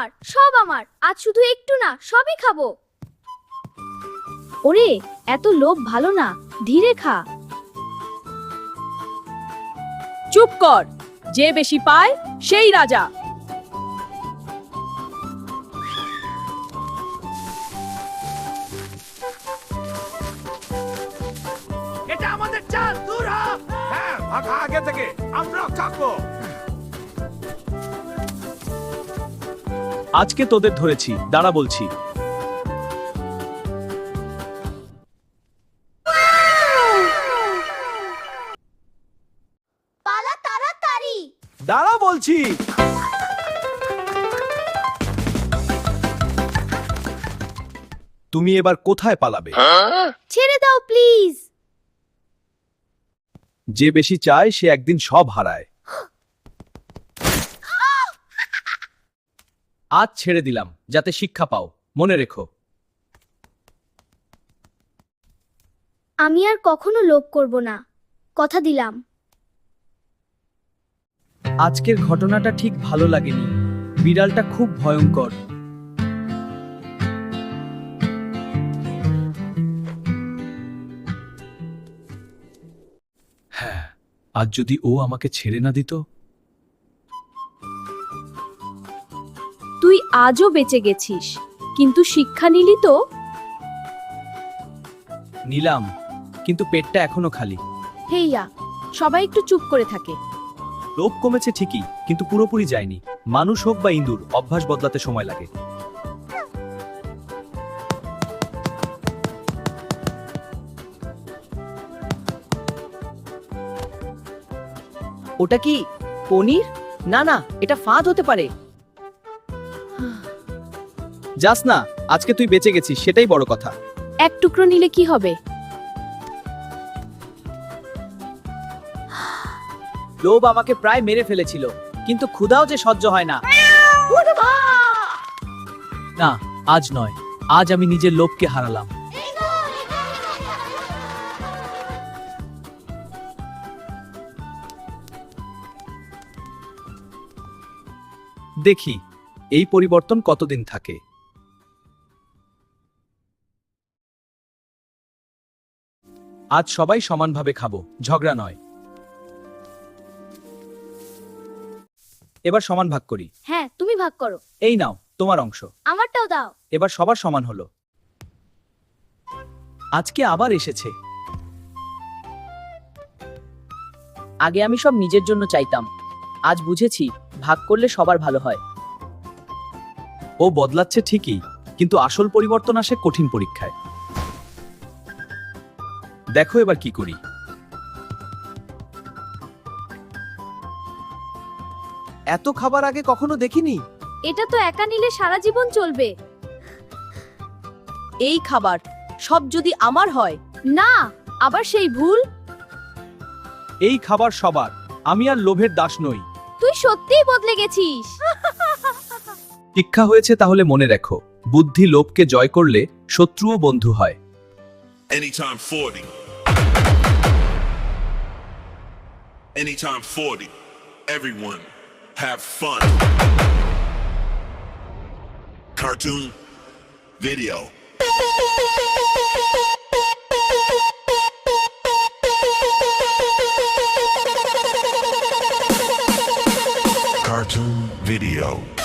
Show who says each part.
Speaker 1: আমার, সব আমার। আজ শুধু একটু না, সবই খাবো। ওরে, এত লোভ ভালো না, ধীরে খা।
Speaker 2: চুপ কর, যে বেশি পায় সেই রাজা।
Speaker 3: এটা আমাদের চাল, দূর হ। হ্যাঁ, ভাগা আগে থেকে, আমরাও থাকবো।
Speaker 4: আজকে তোদের ধরেছি, দাঁড়া বলছি।
Speaker 1: পালা তাড়াতাড়ি।
Speaker 4: দাঁড়া বলছি। তুমি এবার কোথায় পালাবে?
Speaker 1: ছেড়ে দাও প্লিজ।
Speaker 4: যে বেশি চায় সে একদিন সব হারায়। আজ ছেড়ে দিলাম যাতে শিক্ষা পাও, মনে রেখো।
Speaker 1: আমি আর কখনো লোভ করব না, কথা দিলাম।
Speaker 4: আজকের ঘটনাটা ঠিক ভালো লাগেনি। বিড়ালটা খুব ভয়ঙ্কর। হ্যাঁ, আজ যদি ও আমাকে ছেড়ে না দিত।
Speaker 2: তুই আজও বেঁচে গেছিস, কিন্তু শিক্ষা নিলি তো।
Speaker 4: নিলাম, কিন্তু পেটটা এখনো খালি।
Speaker 2: হেইয়া, সবাই একটু চুপ করে থাকে।
Speaker 4: লোভ কমেছে ঠিকই, কিন্তু পুরোপুরি যায়নি। মানুষ হোক বা ইঁদুর, অভ্যাস বদলাতে সময় লাগে।
Speaker 5: ওটা কি পনির? না না, এটা ফাঁদ হতে পারে।
Speaker 4: যাস না, আজকে তুই বেঁচে গেছিস, সেটাই বড় কথা।
Speaker 2: এক টুকরো নিলে কি হবে?
Speaker 5: লোভ আমাকে প্রায় মেরে ফেলেছিল, কিন্তু ক্ষুধাও যে সহ্য হয় না।
Speaker 4: না, আজ নয়। আজ আমি নিজের লোভকে হারালাম। দেখি এই পরিবর্তন কতদিন থাকে। আজ সবাই সমানভাবে খাবো, ঝগড়া নয়। এবার সমান ভাগ করি।
Speaker 1: হ্যাঁ, তুমি ভাগ করো।
Speaker 4: এই নাও তোমার অংশ।
Speaker 1: আমারটাও দাও।
Speaker 4: এবার সবার সমান হলো। আজকে আবার এসেছে।
Speaker 5: আগে আমি সব নিজের জন্য চাইতাম, আজ বুঝেছি ভাগ করলে সবার ভালো হয়।
Speaker 4: ও বদলাচ্ছে ঠিকই, কিন্তু আসল পরিবর্তন আসে কঠিন পরীক্ষায়। দেখো এবার কি করি। এত খাবার আগে কখনো দেখিনি।
Speaker 1: এটা তো একা নিলে সারা জীবন চলবে।
Speaker 2: এই খাবার সব যদি আমার হয়।
Speaker 1: না, আবার সেই ভুল।
Speaker 4: এই খাবার সবার, আমি আর লোভের দাস নই।
Speaker 1: তুই সত্যিই বদলে গেছিস।
Speaker 4: শিক্ষা হয়েছে তাহলে মনে রেখো, বুদ্ধি লোভকে জয় করলে শত্রুও বন্ধু হয়।
Speaker 6: Anytime 40. Anytime 40. Everyone have fun. Cartoon video. Cartoon video.